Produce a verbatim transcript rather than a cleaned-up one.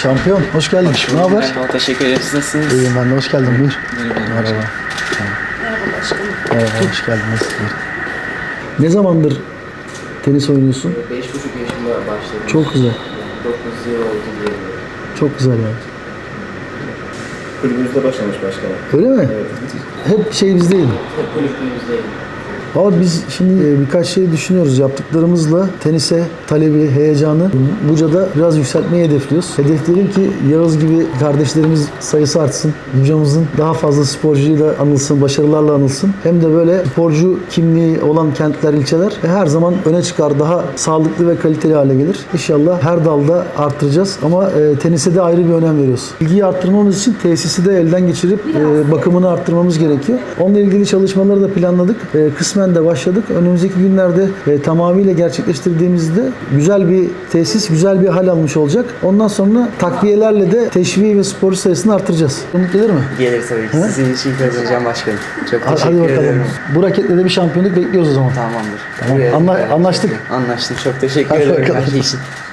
Şampiyon, hoş geldin. Ne haber? Merhaba, teşekkür ederim. Siz nasılsınız? İyiyim ben de, hoş geldin. Buyur. Merhaba. Merhaba. Merhaba başkanım. Merhaba, hoş geldin. Nasılsın? Ne zamandır tenis oynuyorsun? Beş buçuk yaşında başladım. Çok güzel. Dokuz yıl oldu diyelim. Çok güzel yani. Kulübümüzde başlamış başkanım. Öyle mi? Evet. Hep şey bizdeydi. Hep kulübümüzdeyim. Valla biz şimdi e, birkaç şey düşünüyoruz. Yaptıklarımızla tenise talebi, heyecanı Buca'da biraz yükseltmeyi hedefliyoruz. Hedeflerim ki Yağız gibi kardeşlerimiz sayısı artsın. Buca'mızın daha fazla sporcuyla anılsın, başarılarla anılsın. Hem de böyle sporcu kimliği olan kentler, ilçeler e, her zaman öne çıkar. Daha sağlıklı ve kaliteli hale gelir. İnşallah her dalda arttıracağız. Ama e, tenise de ayrı bir önem veriyoruz. İlgiyi arttırmamız için tesisi de elden geçirip e, bakımını arttırmamız gerekiyor. Onunla ilgili çalışmaları da planladık. E, kısmen de başladık. Önümüzdeki günlerde e, tamamıyla gerçekleştirdiğimizde güzel bir tesis, güzel bir hal almış olacak. Ondan sonra takviyelerle de teşviği ve sporcu sayısını artıracağız. Umut gelir mi? Gelir tabii ki. Sizin için kazanacağım başkanım. Çok Hadi, teşekkür hadi bakalım. ederim. Bu raketle de bir şampiyonluk bekliyoruz o zaman. Tamamdır. Tamam. Buraya- Anla- anlaştık. Anlaştık. Çok teşekkür Hadi ederim bakalım. her şey için.